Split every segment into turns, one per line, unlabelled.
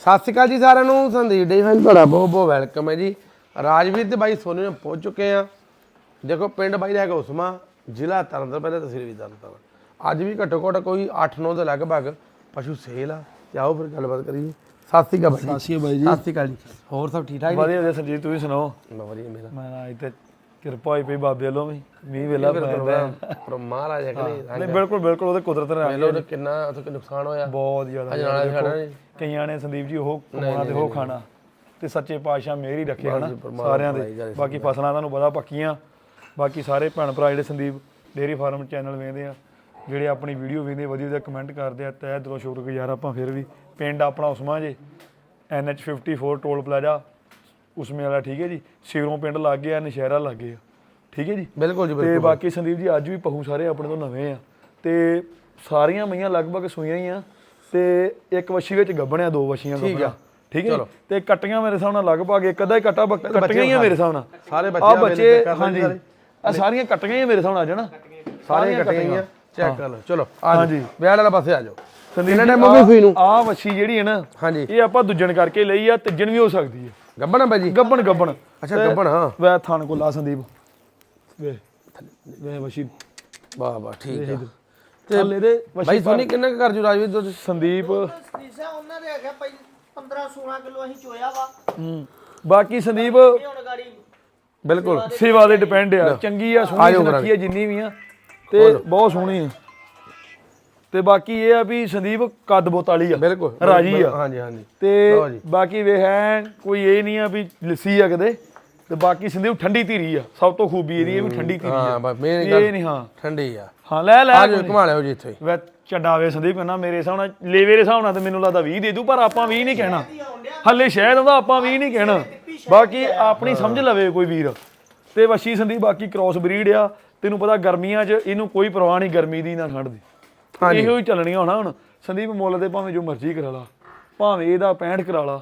ਸਤਿ ਸ਼੍ਰੀ ਅਕਾਲ ਜੀ ਸਾਰਿਆਂ ਨੂੰ। ਸੰਦੀਪ ਡੇਅਰੀ ਫਾਰਮ ਤੁਹਾਡਾ ਬਹੁਤ ਬਹੁਤ ਵੈਲਕਮ ਹੈ ਜੀ। ਰਾਜਵੀਰ ਤੇ ਬਾਈ ਸੋਨੀ ਨੂੰ ਪਹੁੰਚ ਚੁੱਕੇ ਆ। ਦੇਖੋ ਪਿੰਡ ਬਾਈ ਦਾ ਹੈਗਾ ਉਸਮਾ, ਜ਼ਿਲ੍ਹਾ ਤਰਨਤਾਰਨ, ਪਹਿਲੇ ਤਹਿਸੀਲ ਵੀ ਤਰਨਤਾਰਨ। ਅੱਜ ਵੀ ਘੱਟੋ ਘੱਟ ਕੋਈ 8-9 ਦੇ ਲਗਭਗ ਪਸ਼ੂ ਸੇਲ ਆ ਤੇ ਆਓ ਫਿਰ ਗੱਲਬਾਤ ਕਰੀਏ। ਸਤਿ ਸ਼੍ਰੀ ਅਕਾਲ ਬਾਈ।
ਸਤਿ ਸ਼੍ਰੀ ਅਕਾਲ ਜੀ।
ਸਤਿ ਸ਼੍ਰੀ ਅਕਾਲ ਜੀ। ਹੋਰ ਸਭ ਠੀਕ ਠਾਕ ਜੀ?
ਵਧੀਆ ਸੰਜੀਤ, ਤੁਸੀਂ ਸੁਣਾਓ?
ਵਧੀਆ ਮੇਰਾ
ਮੈਂ ਇੱਥੇ ਕਿਰਪਾ ਹੋਈ ਪਈ ਬਾਬੇ ਵੱਲੋਂ ਵੀ ਮੀਂਹ ਵੇਲਾ ਪੈਂਦਾ
ਪਰ ਮਹਾਰਾਜ
ਨਹੀਂ ਬਿਲਕੁਲ ਬਿਲਕੁਲ ਉਹਦੇ ਕੁਦਰਤ ਨੇ
ਪਹਿਲਾਂ ਉਹਨੇ ਕਿੰਨਾ ਉੱਥੇ ਨੁਕਸਾਨ ਹੋਇਆ,
ਬਹੁਤ ਜ਼ਿਆਦਾ। ਕਈਆਂ ਨੇ ਸੰਦੀਪ ਜੀ ਉਹ ਕਮਾਉਣਾ ਤੇ ਉਹ ਖਾਣਾ ਤੇ ਸੱਚੇ ਪਾਤਸ਼ਾਹ ਮਿਹਰ ਹੀ ਰੱਖੇ ਹਨਾ ਸਾਰਿਆਂ ਦੇ। ਬਾਕੀ ਫਸਲਾਂ ਤੁਹਾਨੂੰ ਪਤਾ ਪੱਕੀਆਂ। ਬਾਕੀ ਸਾਰੇ ਭੈਣ ਭਰਾ ਜਿਹੜੇ ਸੰਦੀਪ ਡੇਅਰੀ ਫਾਰਮ ਚੈਨਲ ਵੇਖਦੇ ਆ, ਜਿਹੜੇ ਆਪਣੀ ਵੀਡੀਓ ਵੇਖਦੇ ਵਧੀਆ ਵਧੀਆ ਕਮੈਂਟ ਕਰਦੇ ਆ, ਤਹਿ ਦਿਲੋਂ ਸ਼ੁਕਰਗੁਜ਼ਾਰ ਆਪਾਂ। ਫਿਰ ਵੀ ਪਿੰਡ ਆਪਣਾ ਉਸਮਾ ਜੇ NH 54 ਟੋਲ ਪਲਾਜ਼ਾ ਉਸਮੇ ਵਾਲਾ, ਠੀਕ ਹੈ ਜੀ। ਸਿਰੋਂ ਪਿੰਡ ਲੱਗ ਗਿਆ, ਨਸ਼ਹਿਰਾ ਲੱਗ ਗਿਆ, ਠੀਕ ਹੈ ਜੀ।
ਬਿਲਕੁਲ ਜੀ
ਤੇ ਬਾਕੀ ਸੰਦੀਪ ਜੀ ਅੱਜ ਵੀ ਪਹੂ ਸਾਰੇ ਆਪਣੇ ਤੋਂ ਨਵੇਂ ਆ ਤੇ ਸਾਰੀਆਂ ਮਈਆਂ ਲਗਭਗ ਸੂਈਆਂ ਹੀ ਆ ਤੇ ਇੱਕ ਵੱਛੀ ਵਿੱਚ ਗੱਭਣਿਆ, ਦੋ ਵੱਛੀਆਂ ਗੱਭਣਿਆ, ਠੀਕ ਹੈ। ਤੇ ਕੱਟੀਆਂ ਮੇਰੇ ਹਿਸਾਬ ਨਾਲ ਲਗਭਗ ਇੱਕ ਅੱਧਾ ਹੀ ਕੱਟਾ ਕੱਟੀਆਂ ਹੀ ਆ ਮੇਰੇ ਹਿਸਾਬ ਨਾਲ।
ਸਾਰੇ
ਬੱਚੇ ਹਾਂਜੀ ਆ ਸਾਰੀਆਂ ਕੱਟੀਆਂ ਹੀ ਮੇਰੇ ਹਿਸਾਬ ਨਾਲ ਜਣਾ,
ਸਾਰੀਆਂ ਕੱਟੀਆਂ ਹੀ ਆ। ਚੈੱਕ ਕਰ ਲਓ। ਚਲੋ
ਹਾਂਜੀ
ਵਿਆਹ ਵਾਲਾ ਪਾਸੇ ਆ ਜਾਓ।
ਆ ਵੱਛੀ ਜਿਹੜੀ ਹੈ ਨਾ,
ਹਾਂਜੀ,
ਇਹ ਆਪਾਂ ਦੂਜਣ ਕਰਕੇ ਲਈ ਆ, ਤੀਜਣ ਵੀ ਹੋ ਸਕਦੀ ਹੈ।
ਗੱਬਣ ਆ ਬਾਈ ਜੀ?
ਗੱਬਣ
ਅੱਛਾ ਗੱਬਣ। ਹਾਂ
ਵੈ ਥਾਣ ਕੋਲ ਆ ਸੰਦੀਪ ਵੇ ਵੱਛੀ।
ਵਾਹ ਵਾਹ ਠੀਕ ਹੈ।
ਤੇ ਇਹਦੇ
ਬਾਈ ਸੋਨੀ ਕਿੰਨਾ ਕਰ ਜੂ ਰਾਜਵੀਰ ਦੁੱਧ?
ਸੰਦੀਪ
ਉਹਨਾਂ ਦੇ ਹੈਗਾ ਭਾਈ 15-16 ਕਿਲੋ ਅਸੀਂ ਚੋਇਆ ਵਾ।
ਬਾਕੀ ਸੰਦੀਪ
ਹੁਣ ਗਾੜੀ
ਬਿਲਕੁਲ
ਸੇਵਾ ਦੇ ਡਿਪੈਂਡ ਆ। ਚੰਗੀ ਆ, ਸੋਹਣੀ ਸੁਨੱਖੀ ਆ ਜਿੰਨੀ ਵੀ ਆ ਤੇ ਬਹੁਤ ਸੋਹਣੀ ਆ। ਤੇ ਬਾਕੀ ਇਹ ਆ ਵੀ ਸੰਦੀਪ ਕੱਦ ਬੋਤ ਵਾਲੀ ਆ,
ਬਿਲਕੁਲ
ਰਾਜੀ ਆ।
ਹਾਂਜੀ ਹਾਂਜੀ।
ਤੇ ਬਾਕੀ ਵੇ ਹੈ ਕੋਈ ਇਹ ਨਹੀਂ ਆ ਵੀ ਲੱਸੀ ਆ ਕਦੇ। ਤੇ ਬਾਕੀ ਸੰਦੀਪ ਠੰਡੀ ਧੀਰੀ ਆ, ਸਭ ਤੋਂ ਖੂਬੀ ਇਹਦੀ ਇਹ ਵੀ ਠੰਡੀ ਧੀਰੀ ਆ।
ਹਾਂ ਮੇਨ
ਇਹ ਨਹੀਂ ਹਾਂ
ਠੰਡੀ ਆ।
ਹਾਂ ਲੈ
ਘੁਮਾ ਲਿਓ ਜੀ ਇੱਥੇ।
ਵੇ ਚੰਡਾਵੇ ਸੰਦੀਪ ਕਹਿੰਦਾ ਮੇਰੇ ਹਿਸਾਬ ਨਾਲ ਲੇਵੇ ਦੇ ਹਿਸਾਬ ਨਾਲ ਤੇ ਮੈਨੂੰ ਲੱਗਦਾ 20 ਦੇ ਦੂ, ਪਰ ਆਪਾਂ 20 ਨਹੀਂ ਕਹਿਣਾ ਹੱਲੇ। ਸ਼ਾਇਦ ਉਹਦਾ ਆਪਾਂ 20 ਨਹੀਂ ਕਹਿਣਾ, ਬਾਕੀ ਆਪਣੀ ਸਮਝ ਲਵੇ ਕੋਈ ਵੀਰ। ਤੇ ਵੱਛੀ ਸੰਦੀਪ ਬਾਕੀ ਕ੍ਰੋਸ ਬਰੀਡ ਆ। ਤੈਨੂੰ ਪਤਾ ਗਰਮੀਆਂ 'ਚ ਇਹਨੂੰ ਕੋਈ ਪਰਵਾਹ ਨਹੀਂ, ਗਰਮੀ ਦੀ ਨਾ ਠੰਡ ਦੀ। ਇਹੋ ਹੀ ਚੱਲਣੀਆਂ ਹੋਣਾ ਹੁਣ ਸੰਦੀਪ। ਮੁੱਲ ਦੇ ਭਾਵੇਂ ਜੋ ਮਰਜ਼ੀ ਕਰਾ ਲਾ, ਭਾਵੇਂ ਇਹਦਾ 65 ਕਰਾ ਲਾ,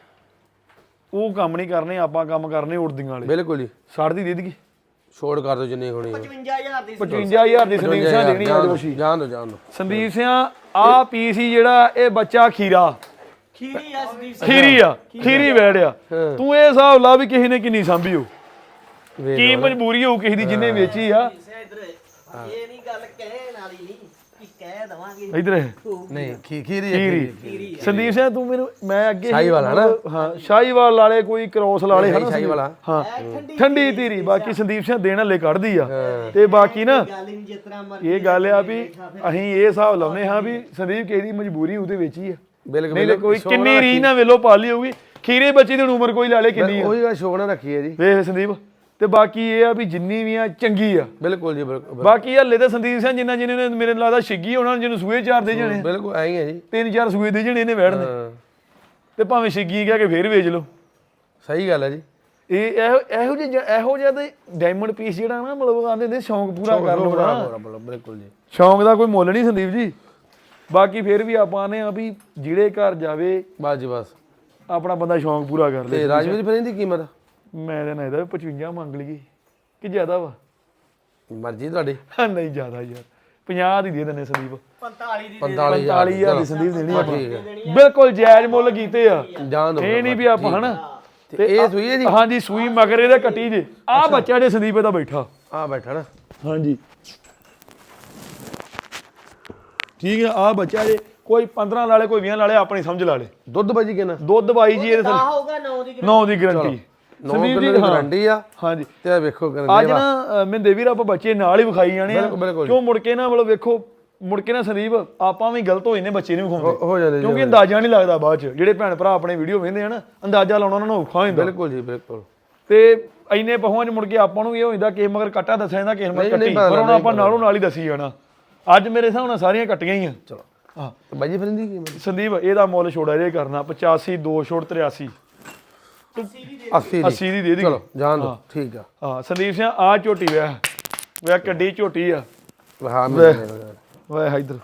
ਉਹ ਕੰਮ ਨਹੀਂ ਕਰਨੇ ਆਪਾਂ, ਕੰਮ ਕਰਨੇ ਉੜਦੀਆਂ ਵਾਲੇ।
ਬਿਲਕੁਲ ਜੀ।
60 ਦੀ ਦੇ ਦੇਗੀ,
ਛੋੜ ਕਰ ਦੋ ਜਿੰਨੀ ਹੋਣੀ।
55000 ਦੀ
55000 ਦੀ ਸੰਦੀਪ ਸਿਆਂ ਦੇਣੀ ਆ ਵੱਛੀ।
ਜਾਣ ਦੋ
ਸੰਦੀਪ ਸਿਆਂ ਆ ਪੀਸ ਹੀ ਜਿਹੜਾ ਇਹ ਬੱਚਾ ਖੀਰਾ
ਖੀਰੀ ਆ ਸੰਦੀਪ
ਖੀਰੀ ਆ, ਖੀਰੀ ਵੈੜਿਆ। ਤੂੰ ਇਹ ਹਿਸਾਬ ਲਾ ਵੀ ਕਿਸੇ ਨੇ ਕਿੰਨੀ ਸਾਂਭੀ ਹੋ, ਕੀ ਮਜਬੂਰੀ ਹੋਊ ਕਿਸੇ ਦੀ ਜਿਹਨੇ ਵੇਚੀ ਆ।
ਇਹ ਨਹੀਂ ਗੱਲ ਕਹਿਣ ਵਾਲੀ ਨਹੀਂ ਕਿ ਕਹਿ ਦਵਾਂਗੇ
ਇਧਰ
ਨਹੀਂ ਖੀਰੀ
ਸੰਦੀਪ ਸਿੰਘ ਤੂੰ ਮੈਨੂੰ ਮੈਂ ਅੱਗੇ
ਸ਼ਾਹੀਵਾਲ ਹਨਾ?
ਹਾਂ ਸ਼ਾਹੀਵਾਲ ਵਾਲੇ ਕੋਈ ਕ੍ਰੋਸ ਲਾਲੇ ਹਨਾ
ਸ਼ਾਹੀਵਾਲ।
ਹਾਂ ਠੰਡੀ ਧੀਰੀ। ਬਾਕੀ ਸੰਦੀਪ ਸਿੰਘ ਦੇਣ ਹਲੇ ਕੱਢਦੀ ਆ। ਤੇ ਬਾਕੀ ਨਾ
ਗੱਲ ਨਹੀਂ ਜਿਸ ਤਰ੍ਹਾਂ
ਇਹ ਗੱਲ ਆ ਵੀ ਅਸੀਂ ਇਹ ਹਿਸਾਬ ਲਾਉਨੇ ਹਾਂ ਵੀ ਸੰਦੀਪ ਕਿਸੇ ਦੀ ਮਜਬੂਰੀ ਉਹਦੇ ਵਿੱਚ ਹੀ ਆ।
ਬਿਲਕੁਲ
ਨਹੀਂ ਕੋਈ ਕਿੰਨੀ ਰੀਝ ਨਾਲ ਵੇਲੋ ਪਾਲੀ ਹੋਊਗੀ। ਖੀਰੇ ਬੱਚੀ ਦੀ ਉਮਰ ਕੋਈ ਲਾ ਲੇ ਕਿੰਨੀ ਆ,
ਉਹੀ ਗੱਲ ਸ਼ੌਕ ਨਾਲ ਰੱਖੀ ਹੈ ਜੀ।
ਵੇਖ ਸੰਦੀਪ। ਤੇ ਬਾਕੀ ਇਹ ਆ ਵੀ ਜਿੰਨੀ ਵੀ ਆ ਚੰਗੀ ਆ।
ਬਿਲਕੁਲ ਜੀ ਬਿਲਕੁਲ।
ਬਾਕੀ ਹਲੇ ਤਾਂ ਸੰਦੀਪ ਸਿੰਘ ਜਿੰਨਾ ਜਿਹਨੇ ਨੇ ਮੇਰੇ ਲੱਗਦਾ ਛਿੱਗੀ ਹੋਣਾ, ਜਿਹਨੂੰ ਸੂਏ 4 ਦੇ ਜਣੇ
ਬਿਲਕੁਲ ਐਂ ਹੀ ਹੈ ਜੀ।
3-4 ਸੂਏ ਦੇ ਜਣੇ ਇਹਨੇ ਵੜਨੇ ਤੇ ਭਾਵੇਂ ਛਿੱਗੀ ਕਹਿ ਕੇ ਫੇਰ ਵੇਚ ਲਓ।
ਸਹੀ ਗੱਲ ਹੈ ਜੀ।
ਇਹ ਇਹੋ ਜਿਹਾ ਤੇ ਡਾਇਮੰਡ ਪੀਸ ਜਿਹੜਾ ਨਾ ਮਤਲਬ ਆਂਦੇ ਨੇ ਸ਼ੌਂਕ ਪੂਰਾ ਕਰ ਲਓ ਨਾ।
ਬਿਲਕੁਲ ਜੀ।
ਸ਼ੌਂਕ ਦਾ ਕੋਈ ਮੁੱਲ ਨਹੀਂ ਸੰਦੀਪ ਜੀ। ਬਾਕੀ ਫੇਰ ਵੀ ਆਪਾਂ ਨੇ ਆ ਵੀ ਜਿਹੜੇ ਘਰ ਜਾਵੇ
ਬਸ ਜੀ ਬਸ
ਆਪਣਾ ਬੰਦਾ ਸ਼ੌਂਕ ਪੂਰਾ ਕਰ ਲੇ।
ਤੇ ਰਾਜਵੀਰ ਫਿਰ ਇਹਦੀ ਕੀਮਤ
ਮੈਂ ਤਾਂ ਨਾ ਇਹਦਾ 55 ਮੰਗ ਲਈਏ ਕਿ ਜ਼ਿਆਦਾ ਵਾ?
ਮਰਜ਼ੀ ਤੁਹਾਡੀ।
ਨਹੀਂ ਜ਼ਿਆਦਾ ਯਾਰ, 50 ਦੀ ਦੇ ਦਿੰਦੇ ਸੰਦੀਪ।
45,000
ਦੀ ਸੰਦੀਪ ਦੇਣੀ ਆਪਾਂ। ਬਿਲਕੁਲ ਜਾਇਜ਼ ਮੁੱਲ ਕੀਤੇ ਆ। ਇਹ ਨਹੀਂ ਵੀ ਆਪਾਂ ਹਨਾ।
ਤੇ ਇਹ ਸੂਈ ਹੈ ਜੀ?
ਹਾਂਜੀ ਸੂਈ ਮਗਰ ਇਹਦੇ ਕੱਟੀ ਜੇ। ਆਹ ਬੱਚਾ ਜੇ ਸੰਦੀਪ ਇਹਦਾ ਬੈਠਾ
ਆ ਬੈਠਾ ਨਾ।
ਹਾਂਜੀ ਠੀਕ ਹੈ। ਆਹ ਬੱਚਾ ਜੇ ਕੋਈ 15 ਲਾਲੇ ਕੋਈ 20 ਲਾਲੇ ਆਪਣੀ ਸਮਝ ਲਾ ਲੇ।
ਦੁੱਧ ਬਾਜੀ ਕਿੰਨਾ?
ਦੁੱਧ ਬਾਈ ਜੀ ਇਹਦੇ
ਹੋਊਗਾ
9 ਦੀ ਗਰੰਟੀ।
ਸੰਦੀਪ ਜੀ ਗਾਰੰਟੀ ਆ।
ਹਾਂਜੀ
ਤੇ ਵੇਖੋ
ਅੱਜ ਨਾ ਮਿੰਦੇ ਵੀਰ ਆਪਾਂ ਬੱਚੇ ਨਾਲ ਹੀ ਵਿਖਾਈ ਜਾਣੇ ਆ। ਕਿਉਂ ਮੁੜ ਕੇ ਨਾ ਮਤਲਬ ਵੇਖੋ ਮੁੜ ਕੇ ਨਾ ਸੰਦੀਪ ਆਪਾਂ ਵੀ ਗਲਤ ਹੋ ਜਾਂਦੇ, ਬੱਚੇ ਨੂੰ ਵਿਖਾਉਂਦੇ
ਹੋ ਜਾਂਦੇ
ਕਿਉਂਕਿ ਅੰਦਾਜ਼ਾ ਨਹੀਂ ਲੱਗਦਾ ਬਾਅਦ ਚ। ਜਿਹੜੇ ਭੈਣ ਭਰਾ ਆਪਣੇ ਵੀਡੀਓ ਵੇਖਦੇ ਆ ਨਾ, ਅੰਦਾਜ਼ਾ ਲਾਉਣਾ ਉਹਨਾਂ ਨੂੰ ਔਖਾ ਹੋ ਜਾਂਦਾ।
ਬਿਲਕੁਲ ਜੀ ਬਿਲਕੁਲ।
ਤੇ ਇੰਨੇ ਪਹੁੰਚ ਮੁੜ ਕੇ ਆਪਾਂ ਨੂੰ ਇਹ ਹੋ ਜਾਂਦਾ ਕਿ ਮਗਰ ਕੱਟਾ ਦੱਸਿਆ ਜਾਂਦਾ ਕਿਸੇ ਮਗਰ ਕੱਟੀ, ਪਰ ਹੁਣ ਆਪਾਂ ਨਾਲੋਂ ਨਾਲ ਹੀ ਦੱਸੀ ਜਾਣਾ। ਅੱਜ ਮੇਰੇ ਹਿਸਾਬ ਨਾਲ ਸਾਰੀਆਂ ਕੱਟੀਆਂ ਹੀ ਆ।
ਚਲੋ ਹਾਂ ਬਾਈ ਜੀ ਫਿਰ ਇਹਦੀ ਕੀਮਤ
ਸੰਦੀਪ ਇਹਦਾ ਮੁੱਲ ਛੋੜਾ ਜੇ ਕਰਨਾ 85, 2 ਛੋੜ 83 80 ਦੀ ਦੇ ਦੀ।
ਚਲੋ ਜਾਣ ਦੋ ਠੀਕ ਆ।
ਹਾਂ ਸੰਦੀਪ ਸਿੰਘ ਆ ਝੋਟੀ ਵੇ ਕੱਡੀ ਝੋਟੀ ਆ।
ਹਾਂ
ਵੇ ਇਧਰ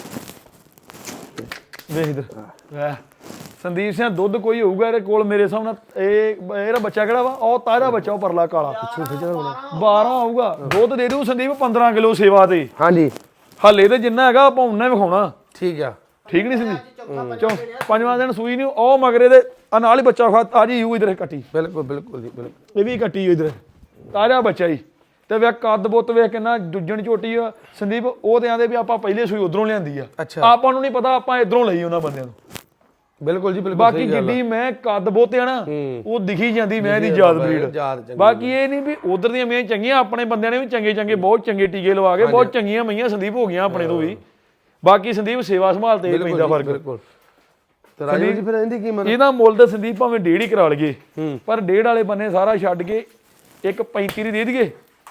ਵੇਖ ਇਧਰ ਵੇ ਸੰਦੀਪ ਸਿੰਘ ਦੁੱਧ ਕੋਈ ਹੋਊਗਾ ਇਹਦੇ ਕੋਲ ਮੇਰੇ ਹਿਸਾਬ ਨਾਲ। ਇਹਦਾ ਬੱਚਾ ਕਿਹੜਾ ਵਾ? ਉਹ ਤਾਰਾ ਬੱਚਾ, ਉਹ ਪਰਲਾ ਕਾਲਾ 12 ਆਊਗਾ। ਦੁੱਧ ਦੇ ਦੂ ਸੰਦੀਪ 15 ਕਿਲੋ ਸੇਵਾ ਤੇ।
ਹਾਂਜੀ
ਹਾਲੇ ਤੇ ਜਿੰਨਾ ਹੈਗਾ ਆਪਾਂ ਉਨਾ ਹੀ ਵਿਖਾਉਣਾ।
ਠੀਕ ਆ।
ਠੀਕ ਨਹੀਂ ਸੰਦੀਪ ਪੰਜਵਾਂ ਦਿਨ ਸੂਈ ਨਹੀਂ ਉਹ ਮਗਰੇ ਦੇ ਆ ਨਾਲ ਹੀ ਬੱਚਾ ਖਾ ਆ ਜੀ ਯੂ ਇਧਰ ਕੱਟੀ
ਬਿਲਕੁਲ ਬਿਲਕੁਲ ਜੀ ਬਿਲਕੁਲ
ਇਹ ਵੀ ਕੱਟੀ ਇਧਰ ਤਾਜ਼ਾ ਬੱਚਾ ਜੀ ਤੇ ਵੇ ਕੱਦ ਬੁੱਤ ਵੇਖ ਕਿੰਨਾ ਦੁੱਜਣ ਝੋਟੀ ਆ ਸੰਦੀਪ ਉਹ ਤੇ ਆਂਦੇ ਵੀ ਆਪਾਂ ਪਹਿਲੇ ਸੂਈ ਉਧਰੋਂ ਲਿਆਂਦੀ ਆ
ਅੱਛਾ
ਆਪਾਂ ਨੂੰ ਨਹੀਂ ਪਤਾ ਆਪਾਂ ਇਧਰੋਂ ਲਈ ਉਹਨਾਂ ਬੰਦਿਆਂ ਨੂੰ
ਬਿਲਕੁਲ ਜੀ ਬਿਲਕੁਲ
ਬਾਕੀ ਜਿੱਡੀ ਮੈਂ ਕੱਦ ਬੁੱਤ ਆ ਨਾ ਉਹ ਦਿਖੀ ਜਾਂਦੀ ਮੈਂ ਦੀ ਯਾਦ ਬਰੀਡ ਬਾਕੀ ਇਹ ਨਹੀਂ ਵੀ ਉਧਰ ਦੀਆਂ ਮੀਆਂ ਚੰਗੀਆਂ ਆਪਣੇ ਬੰਦਿਆਂ ਨੇ ਵੀ ਚੰਗੇ ਚੰਗੇ ਬਹੁਤ ਚੰਗੇ ਟੀਕੇ ਲਵਾ ਕੇ ਬਹੁਤ ਚੰਗੀਆਂ ਮਈਆਂ ਸੰਦੀਪ ਹੋ ਗਈਆਂ ਆਪਣੇ ਤੋਂ ਵੀ ਬਾਕੀ ਸੰਦੀਪ ਸੇਵਾ ਸੰਭਾਲ ਤੇ ਪੈਂਦਾ ਫਰਕ
ਬਿਲਕੁਲ ਤੇ ਰਾਜੂ ਜੀ ਫਿਰ ਇਹਦੀ ਕੀਮਤ
ਇਹਦਾ ਮੁੱਲ ਤਾਂ ਸੰਦੀਪ ਭਾਵੇਂ 1.5 ਹੀ ਕਰਾ ਲਈਏ ਪਰ 1.5 ਵਾਲੇ ਬੰਨੇ ਸਾਰਾ ਛੱਡ ਕੇ 1.35 ਦੀ ਦੇ ਦਈਏ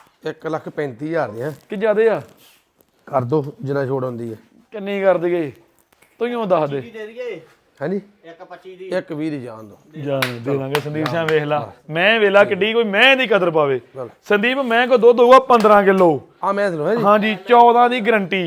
1,35,000 ਦੇ
ਕਿ ਜ਼ਿਆਦੇ ਆ
ਕਰ ਦੋ ਜਿੰਨਾ ਛੋੜ ਹੁੰਦੀ ਹੈ
ਕਿੰਨੀ ਕਰ ਦਈਏ ਤੂੰ ਹੀ ਦੱਸ ਦੇ
ਦੇ ਦਈਏ
ਹਾਂਜੀ
1.25 ਦੀ
1,20 ਦੀ ਜਾਣ ਦੋ
ਜਾਨ ਦੇ ਦਾਂਗੇ ਸੰਦੀਪ ਸਿੰਘ ਵੇਖ ਲਾ ਮੈਂ ਵੇਲਾ ਕਿੱਡੀ ਕੋਈ ਮੈਂ ਦੀ ਕਦਰ ਪਾਵੇ ਸੰਦੀਪ ਮੈਂ ਕੋ ਦੁੱਧ ਹੋਊਗਾ 15 ਕਿਲੋ
ਆ ਮੈਂ ਸੁਣੋ ਜੀ
ਹਾਂਜੀ 14 ਦੀ ਗਰੰਟੀ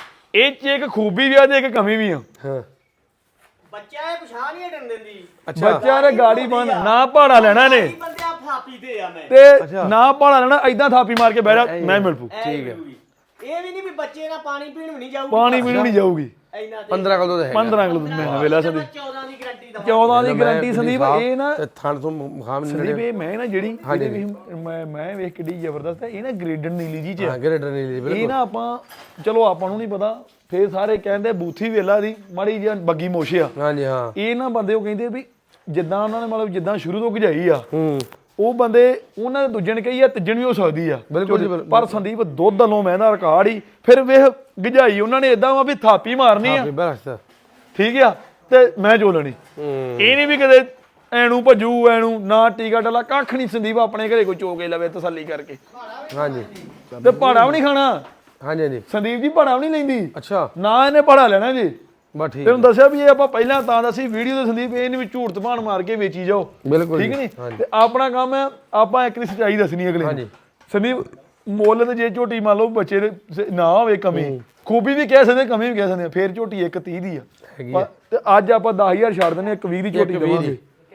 ਇਹ ਚ ਇੱਕ ਖੂਬੀ ਵੀ ਆ ਤੇ ਇੱਕ ਕਮੀ ਵੀ ਆ
ਹਾਂ
ਬੱਚਾ ਇਹ ਪਛਾਣ ਨਹੀਂ ਹਟਣ ਦਿੰਦੀ
ਬੱਚਾ ਨੇ ਗਾੜੀ ਬੰਨ ਨਾ ਭਾੜਾ ਲੈਣਾ ਨੇ
ਬੰਦਿਆਂ ਫਾਪੀ ਤੇ ਆ ਮੈਂ
ਤੇ ਨਾ ਭਾੜਾ ਲੈਣਾ ਐਦਾਂ ਥਾਪੀ ਮਾਰ ਕੇ ਬਹਿ ਜਾ ਮੈਂ ਮਿਲ ਪੂ
ਠੀਕ ਹੈ ਇਹ ਵੀ ਨਹੀਂ ਵੀ ਬੱਚੇ ਨਾਲ ਪਾਣੀ ਪੀਣ ਵੀ ਨਹੀਂ ਜਾਊਗੀ
ਪਾਣੀ ਪੀਣ ਨਹੀਂ ਜਾਊਗੀ
ਇੰਨਾ
15 ਕਿਲੋ ਦਾ ਹੈ
15 ਕਿਲੋ ਮੈਂ ਵੇਲਾ ਸੰਦੀਪ
14 ਦੀ ਗਾਰੰਟੀ ਦਵਾਂ
14 ਦੀ ਗਾਰੰਟੀ ਸੰਦੀਪ ਇਹ ਨਾ
ਤੇ ਥਣ ਤੋਂ ਮੁਖਾਮ ਨਹੀਂ
ਸੰਦੀਪ ਇਹ ਮੈਂ ਨਾ ਜਿਹੜੀ ਇਹਦੇ ਵੀ ਮੈਂ ਵੇਖ ਕਿੱਡੀ ਜ਼ਬਰਦਸਤ ਹੈ ਇਹ ਨਾ ਗ੍ਰੇਡਨ ਨੀਲੀ ਜੀ ਚ
ਹਾਂ ਗ੍ਰੇਡਰ ਨਹੀਂ ਬਿਲਕੁਲ
ਇਹ ਨਾ ਆਪਾਂ ਚਲੋ ਆਪਾਂ ਨੂੰ ਨਹੀਂ ਪਤਾ ਫੇਰ ਸਾਰੇ ਕਹਿੰਦੇ ਬੂਥੀ ਵੇਲਾ ਦੀ ਮਾੜੀ ਜਿਹੀ ਬੱਗੀ ਮੋਸ਼ਿਆ
ਹਾਂਜੀ ਹਾਂ
ਇਹ ਨਾ ਬੰਦੇ ਉਹ ਕਹਿੰਦੇ ਵੀ ਜਿੱਦਾਂ ਉਹਨਾਂ ਨੇ ਮਤਲਬ ਜਿੱਦਾਂ ਸ਼ੁਰੂ ਤੋਂ ਗਜਾਈ ਆ ਉਹ ਬੰਦੇ ਉਹਨਾਂ ਦੇ ਦੂਜੇ ਨੇ ਕਹੀ ਆ ਤੀਜਣ ਵੀ ਹੋ ਸਕਦੀ ਆ
ਬਿਲਕੁਲ
ਪਰ ਸੰਦੀਪ ਦੁੱਧ ਵੱਲੋਂ ਮਹਿੰਦਾ ਰਿਕਾਰਡ ਹੀ ਫਿਰ ਵੇਖ ਗਜਾਈ ਉਹਨਾਂ ਨੇ ਇਦਾਂ ਵਾ ਵੀ ਥਾਪੀ ਮਾਰਨੀ ਆ
ਬਸ
ਠੀਕ ਆ ਤੇ ਮੈਂ ਚੋਲਣੀ ਇਹ ਨਹੀਂ ਵੀ ਕਦੇ ਐਨੂੰ ਭਜੂ ਐਨੂੰ ਨਾ ਟੀਕਾ ਡਾਲਾ ਕੱਖ ਨਹੀਂ ਸੰਦੀਪ ਆਪਣੇ ਘਰੇ ਕੋਈ ਚੋਕੇ ਲਵੇ ਤਸੱਲੀ ਕਰਕੇ
ਹਾਂਜੀ
ਤੇ ਭਾੜਾ ਵੀ ਨਹੀਂ ਖਾਣਾ
ਹਾਂਜੀ ਹਾਂਜੀ
ਸੰਦੀਪ ਜੀ ਭਾੜਾ ਵੀ ਨਹੀਂ ਲੈਂਦੀ
ਅੱਛਾ
ਨਾ ਇਹਨੇ ਭਾੜਾ ਲੈਣਾ ਜੀ
ਬਸ ਠੀਕ
ਤੈਨੂੰ ਦੱਸਿਆ ਵੀ ਇਹ ਆਪਾਂ ਪਹਿਲਾਂ ਤਾਂ ਦੱਸੀ ਵੀਡੀਓ ਦੇ ਸੰਦੀਪ ਇਹ ਨਹੀਂ ਵੀ ਝੂਠ ਤਪਾਣ ਮਾਰ ਕੇ ਵੇਚੀ ਜਾਓ
ਬਿਲਕੁਲ
ਠੀਕ ਨਹੀਂ ਤੇ ਆਪਣਾ ਕੰਮ ਹੈ ਆਪਾਂ ਇੱਕ ਦੀ ਸੱਚਾਈ ਦੱਸਣੀ ਅਗਲੇ ਨੂੰ ਸੰਦੀਪ ਮੁੱਲ ਤੇ ਜੇ ਝੋਟੀ ਮੰਨ ਲਓ ਬੱਚੇ ਦੇ ਨਾ ਹੋਵੇ ਕਮੀ ਖੂਬੀ ਵੀ ਕਹਿ ਸਕਦੇ ਕਮੀ ਵੀ ਕਹਿ ਸਕਦੇ ਫੇਰ ਝੋਟੀ 1.30 ਦੀ ਆ ਤੇ ਅੱਜ ਆਪਾਂ 10000 ਛੱਡ ਦਿੰਦੇ 1.20 ਦੀ ਝੋਟੀ ਦੇਵਾਂਗੇ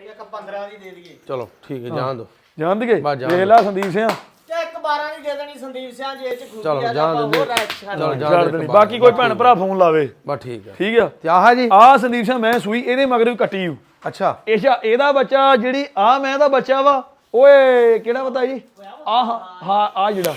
15 ਦੀ ਦੇ ਦਈਏ
ਚਲੋ ਠੀਕ ਹੈ ਜਾਣ ਦੋ
ਜਾਣ ਦਈਏ ਵੇਖ ਲੈ ਸੰਦੀਪ ਸਿੰਘ
ਤੇ 1.12 ਦੀ ਦੇ ਦੇਣੀ ਸੰਦੀਪ ਸਿੰਘ ਜੇ ਚ ਖੂਬੀ
ਚਲੋ
ਆ
ਜਾਣ ਦੇ
ਚਲੋ ਜਾਣ ਦੇ ਬਾਕੀ ਕੋਈ ਭੈਣ ਭਰਾ ਫੋਨ ਲਾਵੇ
ਬਸ ਠੀਕ ਹੈ
ਠੀਕ ਆ
ਤੇ ਆਹ ਜੀ
ਆਹ ਸੰਦੀਪ ਸਿੰਘ ਮੈਂ ਸੂਈ ਇਹਦੇ ਮਗਰ ਵੀ ਕੱਟੀ ਹੂੰ
ਅੱਛਾ
ਇਹਦਾ ਬੱਚਾ ਜਿਹੜੀ ਆ ਮੈਂ ਦਾ ਬੱਚਾ ਵਾ ਓਏ ਕਿਹੜਾ ਪਤਾ ਜੀ ਹਾਂ ਆ ਜਿਹੜਾ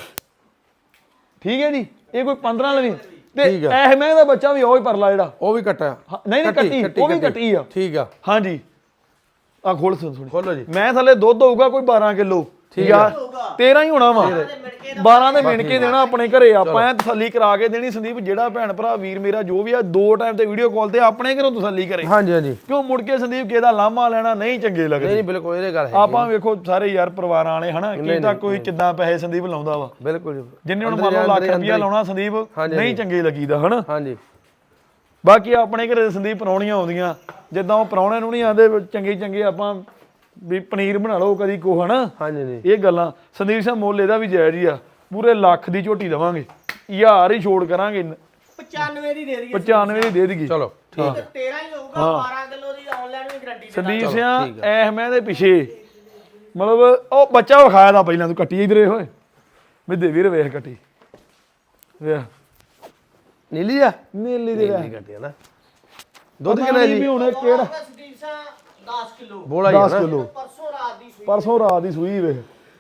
ਠੀਕ ਹੈ ਜੀ ਇਹ ਕੋਈ 15 ਲਵੀਂ ਤੇ ਇਹ ਮੈਂ ਦਾ ਬੱਚਾ ਵੀ ਉਹ ਹੀ ਪਰਲਾ ਜਿਹੜਾ
ਉਹ ਵੀ ਕੱਟਿਆ
ਨਹੀਂ ਕੱਟੀ ਉਹ ਵੀ ਕੱਟੀ ਆ
ਠੀਕ ਆ
ਹਾਂਜੀ ਆ ਖੋਲ ਸੁਣ
ਖੋਲੋ ਜੀ
ਮੈਂ ਥੱਲੇ ਦੁੱਧ ਹੋਊਗਾ ਕੋਈ 12 ਕਿਲੋ ਠੀਕ ਆ 13 ਹੀ ਹੋਣਾ ਵਾ 12 ਦੇ ਮਿਣ ਕੇ ਦੇਣਾ ਆਪਣੇ ਘਰੇ ਆਪਾਂ ਐ ਤਸੱਲੀ ਕਰਾ ਕੇ ਦੇਣੀ ਸੰਦੀਪ ਜਿਹੜਾ ਭੈਣ ਭਰਾ ਵੀਰ ਮੇਰਾ ਜੋ ਵੀ ਆ 2 ਟਾਈਮ ਤੇ ਵੀਡੀਓ ਕਾਲ ਤੇ ਆਪਣੇ ਘਰੋਂ ਤਸੱਲੀ ਕਰੇ
ਹਾਂਜੀ ਹਾਂਜੀ
ਕਿਉਂ ਮੁੜ ਕੇ ਸੰਦੀਪ ਕਿਹਦਾ ਲਾਮਾ ਲੈਣਾ ਨਹੀਂ ਚੰਗੇ ਲੱਗਦੇ
ਨਹੀਂ ਬਿਲਕੁਲ ਇਹਦੇ ਗੱਲ ਹੈ
ਆਪਾਂ ਵੇਖੋ ਸਾਰੇ ਯਾਰ ਪਰਿਵਾਰਾਂ ਵਾਲੇ ਹਨਾ ਕੀ ਤਾਂ ਕੋਈ ਕਿੱਦਾਂ ਪੈਸੇ ਸੰਦੀਪ ਲਾਉਂਦਾ ਵਾ
ਬਿਲਕੁਲ
ਜਿੰਨੇ ਹੁਣ ਮੰਨ ਲਓ ਲੱਖ ਰੁਪਇਆ ਲਾਉਣਾ ਸੰਦੀਪ ਨਹੀਂ ਚੰਗੇ ਲੱਗੀਦਾ ਹਨਾ
ਹਾਂਜੀ
ਬਾਕੀ ਆਪਣੇ ਘਰੇ ਸੰਦੀਪ ਪਰੌਣੀਆਂ ਆਉਂਦੀਆਂ ਜਿੱਦਾਂ ਉਹ ਪਰੌਣਿਆਂ ਨੂੰ ਨਹੀਂ ਆਂਦੇ ਚੰਗੇ ਆਪਾਂ ਵੀ ਪਨੀਰ ਬਣਾ ਲਓ ਕਦੀ ਕੋ ਹਨਾ
ਹਾਂਜੀ ਨਹੀਂ
ਇਹ ਗੱਲਾਂ ਸੰਦੀਪ ਸਿੰਘ ਮੁੱਲ ਇਹਦਾ ਵੀ ਜਾਇਜ਼ ਹੀ ਆ ਪੂਰੇ ਲੱਖ ਦੀ ਝੋਟੀ ਦੇਵਾਂਗੇ 1000 ਹੀ ਛੋੜ ਕਰਾਂਗੇ
95 ਦੀ ਦੇ ਦਈਏ
95 ਦੀ ਦੇ ਦਈਏ
ਚਲੋ ਠੀਕ
13 ਹੀ ਹੋਊਗਾ 12 ਕਿਲੋ ਦੀ ਆਨਲਾਈਨ ਵੀ ਗਾਰੰਟੀ
ਸੰਦੀਪ ਸਿੰਘ ਐ ਮੈਂ ਦੇ ਪਿੱਛੇ ਮਤਲਬ ਉਹ ਬੱਚਾ ਵਿਖਾਇਆ ਦਾ ਪਹਿਲਾਂ ਤੂੰ ਕੱਟੀ ਇਧਰੇ ਹੋਏ ਵੀ ਦੇ ਵੀਰ ਵੇਖ ਕੱਟੀ ਵੇਖ
ਨੀਲੀ ਆ
ਨੀਲੀ ਦੇ
ਨੀਲੀ ਕੱਟੀ ਨਾ ਦੁੱਧ ਕਿੰਨਾ ਜੀ
ਵੀ ਹੁਣ ਕਿਹੜਾ
ਸੰਦੀਪ ਸਿੰਘ 10 ਕਿਲੋ
ਬੋਲਾ
10 ਕਿਲੋ
ਪਰਸੋਂ ਰਾਤ ਦੀ
ਸੂਈ ਵੇਖ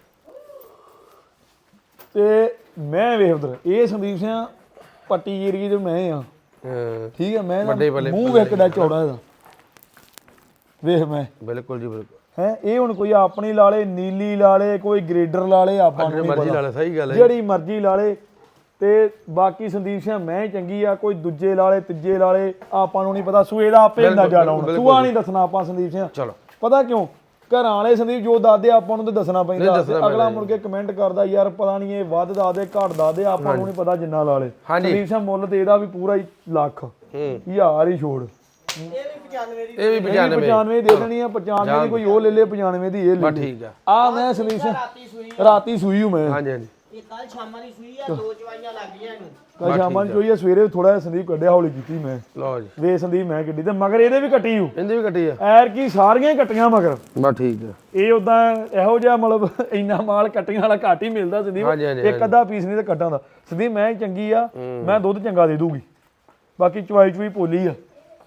ਤੇ ਮੈਂ ਵੇਖ ਉਧਰ ਇਹ ਸੰਦੀਪ ਸਿੰਘ ਪੱਟੀ ਏਰੀਏ ਦੇ ਮੈਂ ਆ ਠੀਕ ਹੈ ਮੈਂ ਮੂੰਹ ਵੇਖ ਕਿੱਡਾ ਚੌੜਾ ਇਹਦਾ ਵੇਖ ਮੈਂ
ਬਿਲਕੁਲ ਜੀ ਬਿਲਕੁਲ
ਹੈ ਇਹ ਹੁਣ ਕੋਈ ਆਪਣੀ ਲਾਲੇ ਨੀਲੀ ਲਾਲੇ ਕੋਈ ਗ੍ਰੇਡਰ ਲਾਲੇ ਆਪਾਂ ਨੂੰ
ਮਰਜ਼ੀ ਲਾ ਲੈ ਸਹੀ ਗੱਲ ਹੈ
ਜਿਹੜੀ ਮਰਜ਼ੀ ਲਾਲੇ ਤੇ ਬਾਕੀ ਸੰਦੀਪ ਸਿੰਘ ਮੈਂ ਚੰਗੀ ਆ ਕੋਈ ਦੂਜੇ ਲਾਲੇ ਤੀਜੇ ਲਾਲੇ ਆਪਾਂ ਨੂੰ ਨਹੀਂ ਪਤਾ ਸੂਏ ਦਾ ਆਪੇ ਅੰਦਾਜ਼ਾ ਲਾਉਣਾ ਸੂਆ ਨਹੀਂ ਦੱਸਣਾ ਆਪਾਂ ਸੰਦੀਪ ਸਿੰਘ
ਚਲੋ
ਪਤਾ ਕਿਉਂ ਘਰਾਂ ਵਾਲੇ ਸੰਦੀਪ ਜੋ ਦੱਸਦੇ ਆਪਾਂ ਨੂੰ ਤੇ ਦੱਸਣਾ ਪੈਂਦਾ ਅਗਲਾ ਮੁੜ ਕੇ ਕਮੈਂਟ ਕਰਦਾ ਯਾਰ ਪਤਾ ਨਹੀਂ ਇਹ ਵੱਧ ਦੱਸਦੇ ਘੱਟ ਦੱਸਦੇ ਆਪਾਂ ਨੂੰ ਨਹੀਂ ਪਤਾ ਜਿੰਨਾ ਲਾਲੇ ਸੰਦੀਪ ਸਿੰਘ ਮੁੱਲ ਤੇ ਇਹਦਾ ਵੀ ਪੂਰਾ ਹੀ ਲੱਖ 1000 ਹੀ ਛੋੜ
ਇਹ ਵੀ 95
95 ਦੇ ਦੇਣੀ ਆ 95 ਦੀ ਕੋਈ ਉਹ ਲੈ ਲੇ 95 ਦੀ ਇਹ ਲੈ ਲੈ
ਠੀਕ
ਆ ਮੈਂ ਸੰਦੀਪ ਸਿੰਘ ਰਾਤੀ ਸੂਈ ਹੂੰ ਮੈਂ
ਹਾਂਜੀ ਹਾਂਜੀ
ਇਹ ਕੱਲ ਸ਼ਾਮਾਂ ਦੀ ਸੂਈ ਆ 2 ਚਵਾਈਆਂ ਲੱਗ ਗਈਆਂ ਇਹਨੂੰ
ਕੱਲ ਸ਼ਾਮਾਂ ਨੂੰ ਚੋਈ ਸਵੇਰੇ ਥੋੜਾ ਜਿਹਾ ਸੰਦੀਪ ਕੱਢਿਆ ਹੌਲੀ ਕੀਤੀ ਮੈਂ
ਲਓ ਜੀ
ਵੇ ਸੰਦੀਪ ਮੈਂ ਗੱਡੀ ਤੇ ਮਗਰ ਇਹਦੇ ਵੀ ਕੱਟੀ ਹੂੰ
ਇਹਦੇ ਵੀ ਕੱਟੀ ਆ
ਐਰ ਕੀ ਸਾਰੀਆਂ ਹੀ ਕੱਟੀਆਂ ਮਗਰ
ਬਸ ਠੀਕ ਆ
ਇਹ ਉਦਾਂ ਇਹੋ ਜਿਹਾ ਮਤਲਬ ਇੰਨਾ ਮਾਲ ਕੱਟੀਆਂ ਵਾਲਾ ਘੱਟ ਹੀ ਮਿਲਦਾ ਸੰਦੀਪ ਇੱਕ ਅੱਧਾ ਪੀਸ ਨਹੀਂ ਤੇ ਕੱਟਾਂ ਦਾ ਸੰਦੀਪ ਮੈਂ ਚੰਗੀ ਆ ਮੈਂ ਦੁੱਧ ਚੰਗਾ ਦੇ ਦੂਗੀ ਬਾਕੀ ਚਵਾਈ ਚੂਈ ਪੋਲੀ ਆ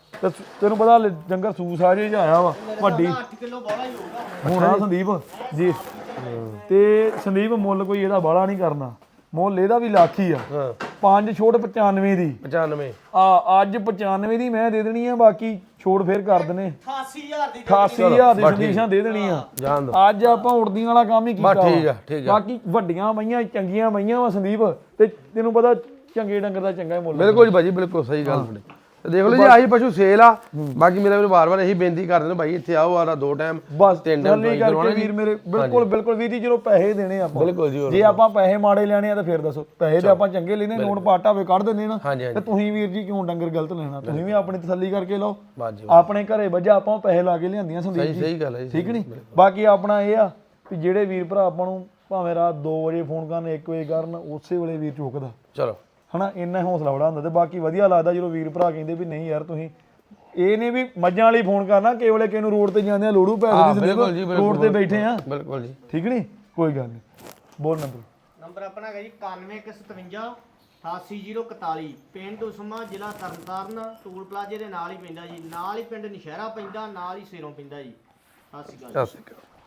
ਤੇ ਤੈਨੂੰ ਪਤਾ ਡੰਗਰ ਸੂਸ ਆ ਜੇ ਆਇਆ ਵਾ ਵੱਡੀ
8 ਕਿਲੋ ਬੋਲਾ ਹੀ ਹੋਊਗਾ
ਹੋਣਾ ਸੰਦੀਪ ਜੀ। ਤੇ ਸੰਦੀਪ ਮੁੱਲ ਕੋਈ ਇਹਦਾ ਬਾਹਲਾ ਨਹੀਂ ਕਰਨਾ, ਮੁੱਲ ਇਹਦਾ ਵੀ ਲੱਖ ਹੀ ਆ।
ਹਾਂ
5 ਛੋਟ 95 ਦੀ
95
ਅੱਜ 95 ਦੀ ਮੈਂ ਦੇ ਦੇਣੀ ਆ, ਬਾਕੀ ਛੋੜ ਫੇਰ ਕਰ ਦਨੇ
88000 ਦੀ
88000 ਦੀ ਸੰਦੀਸ਼ਾਂ ਦੇ ਦੇਣੀ ਆ।
ਜਾਣ ਦੋ
ਅੱਜ ਆਪਾਂ ਉੜਦੀਆਂ ਵਾਲਾ ਕੰਮ ਹੀ ਕੀਤਾ
ਬਸ ਠੀਕ
ਵਾ।
ਆ ਠੀਕ ਆ
ਬਾਕੀ ਵੱਡੀਆਂ ਮਈਆਂ ਚੰਗੀਆਂ ਮਈਆਂ ਵਾ ਸੰਦੀਪ, ਤੇ ਤੈਨੂੰ ਪਤਾ ਚੰਗੇ ਡੰਗਰ ਦਾ ਚੰਗਾ ਹੀ ਮੁੱਲ।
ਬਿਲਕੁਲ ਜੀ ਭਾਜੀ ਬਿਲਕੁਲ ਸਹੀ ਗੱਲ ਤੁਹਾਡੀ। ਤੇ ਦੇਖ ਲਓ ਜੀ ਆਹੀ ਪਸ਼ੂ ਸੇਲ ਆ। ਬਾਕੀ ਮੇਰਾ ਮੈਨੂੰ ਵਾਰ-ਵਾਰ ਇਹੀ ਬੇਨਤੀ ਕਰਦੇ ਨੇ ਭਾਈ ਇੱਥੇ ਆਓ ਆਰਾ 2 ਟਾਈਮ
ਬਸ
3 ਟਾਈਮ
ਤਸੱਲੀ ਕਰਕੇ ਵੀਰ ਮੇਰੇ ਬਿਲਕੁਲ ਵੀਰ ਜੀ ਜਦੋਂ ਪੈਸੇ ਦੇਣੇ ਆਪਾਂ
ਬਿਲਕੁਲ ਜੀ
ਜੇ ਆਪਾਂ ਪੈਸੇ ਮਾੜੇ ਲੈਣੇ ਆ ਤਾਂ ਫਿਰ ਦੱਸੋ, ਪੈਸੇ ਤੇ ਆਪਾਂ ਚੰਗੇ ਲੈਣੇ, ਨੋਟ ਪਾਟਾ ਵੇ ਕੱਢ ਦਿੰਦੇ ਨਾ।
ਹਾਂਜੀ
ਤੇ ਤੁਸੀਂ ਵੀਰ ਜੀ ਕਿਉਂ ਡੰਗਰ ਗਲਤ ਲੈਣਾ, ਤੁਸੀਂ ਵੀ ਆਪਣੀ ਤਸੱਲੀ ਕਰਕੇ ਲਓ।
ਬਾਜੀ
ਆਪਣੇ ਘਰੇ ਵੱਜਾ ਆਪਾਂ ਪੈਸੇ ਲਾ ਕੇ ਲਿਆਂਦੀਆਂ ਸੰਦੀਪ ਜੀ,
ਸਹੀ ਗੱਲ ਹੈ ਜੀ
ਠੀਕ ਨਹੀਂ। ਬਾਕੀ ਆਪਣਾ ਇਹ ਆ ਵੀ ਜਿਹੜੇ ਵੀਰ ਭਰਾ ਆਪਾਂ ਨੂੰ ਭਾਵੇਂ ਰਾਤ 2 ਵਜੇ ਫੋਨ ਕਰਨ 1 ਵਜੇ ਕਰਨ, ਉਸੇ ਵੇਲੇ ਵੀਰ ਚੁੱਕਦਾ
ਚਲੋ
ਹਨਾ, ਇੰਨਾ ਹੌਸਲਾ ਬੜਾ ਹੁੰਦਾ। ਤੇ ਬਾਕੀ ਵਧੀਆ ਲੱਗਦਾ ਜਦੋਂ ਵੀਰ ਭਰਾ ਕਹਿੰਦੇ ਵੀ ਨਹੀਂ ਯਾਰ ਤੁਸੀਂ ਇਹ ਨਹੀਂ ਵੀ ਮੱਝਾਂ ਵਾਲੀ ਫੋਨ ਕਰਨਾ, ਕੇਵਲੇ ਕਿਸੇ ਨੂੰ ਰੋਡ ਤੇ ਜਾਂਦੇ ਆ ਲੋੜੂ ਪੈਸੇ ਦੀ ਰੋਡ ਤੇ ਬੈਠੇ ਆ,
ਬਿਲਕੁਲ ਜੀ
ਠੀਕ ਨਹੀਂ ਕੋਈ ਗੱਲ ਨਹੀਂ। ਬੋਲ
ਨੰਬਰ ਆਪਣਾ ਹੈਗਾ ਜੀ 9157 88041, ਪਿੰਡ ਉਸਮਾ, ਜ਼ਿਲ੍ਹਾ ਤਰਨਤਾਰਨ, ਟੂਲ ਪਲਾਜ਼ੇ ਦੇ ਨਾਲ ਹੀ ਪੈਂਦਾ ਜੀ, ਨਾਲ ਹੀ ਪਿੰਡ ਨਸ਼ਹਿਰਾ ਪੈਂਦਾ, ਨਾਲ ਹੀ ਸੇਰੋਂ ਪੈਂਦਾ ਜੀ। ਸਤਿ ਸ਼੍ਰੀ ਅਕਾਲ।
ਸਤਿ ਸ਼੍ਰੀ ਅਕਾਲ।